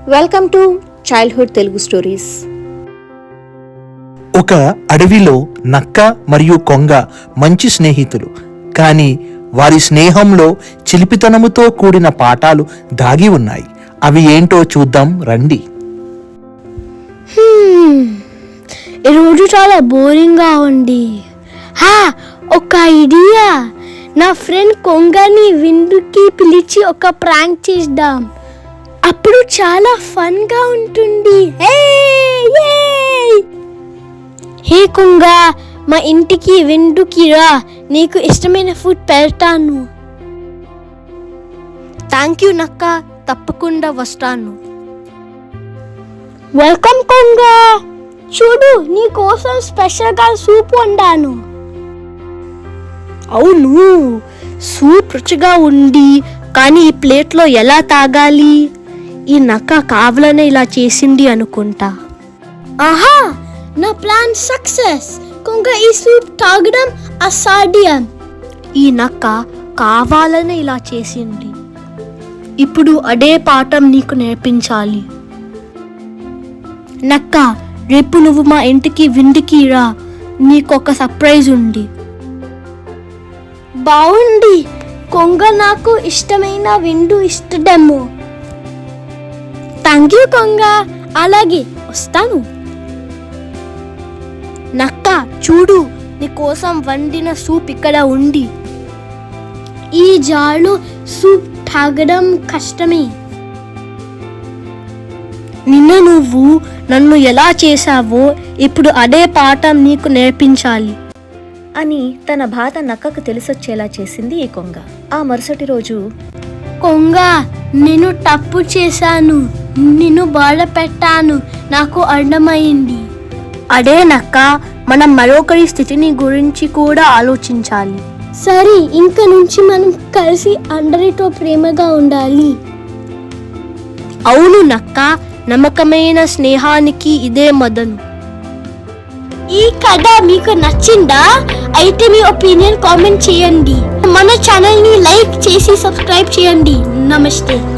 Welcome to childhood Telugu stories. ఒక అడవిలో నక్క మరియు కొంగ మంచి స్నేహితులు. కానీ వారి స్నేహంలో చిలిపితనముతో కూడిన పాఠాలు దాగి ఉన్నాయి. అవి ఏంటో చూద్దాం రండి. ఈరోజు చాలా బోరింగ్గా ఉంది. ఒక ఐడియా, నా ఫ్రెండ్ కొంగని విందుకి పిలిచి ఒక ప్రాంక్ చేద్దాం. అప్పుడు చాలా ఫన్గా ఉంటుంది. హే కొంగ, మా ఇంటికి విందుకి రా, నీకు ఇష్టమైన ఫుడ్ పెడతాను. థ్యాంక్ యూ నక్క, తప్పకుండా వస్తాను. వెల్కమ్ కొంగ, చూడు నీ కోసం స్పెషల్గా సూప్ వండాను. అవును, సూప్ రుచిగా ఉంది, కానీ ఈ ప్లేట్లో ఎలా తాగాలి? ఈ నక్క కావాలనే ఇలా చేసింది అనుకుంటా. ఆహా, నా ప్లాన్ సక్సెస్. కొంగ ఈ సూప్ తాగడం అసాధ్యం. ఈ నక్క కావాలనే ఇలా చేసింది. ఇప్పుడు అదే పాఠం నీకు నేర్పించాలి. నక్క, రేపు నువ్వు మా ఇంటికి విందుకి రా, నీకొక సర్ప్రైజ్ ఉంది. బాగుంది, కొంగ నాకు ఇష్టమైన విందు ఇష్టడేమో. థ్యాంక్ యూ కొంగ, అలాగే వస్తాను. నక్క చూడు, నీ కోసం వండిన సూప్ ఇక్కడ ఉంది. ఈ జార్లో సూప్ తాగడం కష్టమే. నిన్న నువ్వు నన్ను ఎలా చేశావో ఇప్పుడు అదే పాఠం నీకు నేర్పించాలి అని తన బాధ నక్కకు తెలిసొచ్చేలా చేసింది ఈ కొంగ. ఆ మరుసటి రోజు, కొంగ, నేను తప్పు చేశాను, నిన్ను బాధ పెట్టాను, నాకు అర్థమైంది. అదే నక్క, మనం మరొకరి స్థితిని గురించి కూడా ఆలోచించాలి. సరే, ఇంక నుంచి మనం కలిసి అందరితో ప్రేమగా ఉండాలి. అవును నక్క, నమ్మకమైన స్నేహానికి ఇదే మదను. ఈ కథ మీకు నచ్చిందా? అయితే మీ ఒపీనియన్ కామెంట్ చేయండి. మన ఛానల్ ని లైక్ చేసి సబ్స్క్రైబ్ చేయండి. నమస్తే.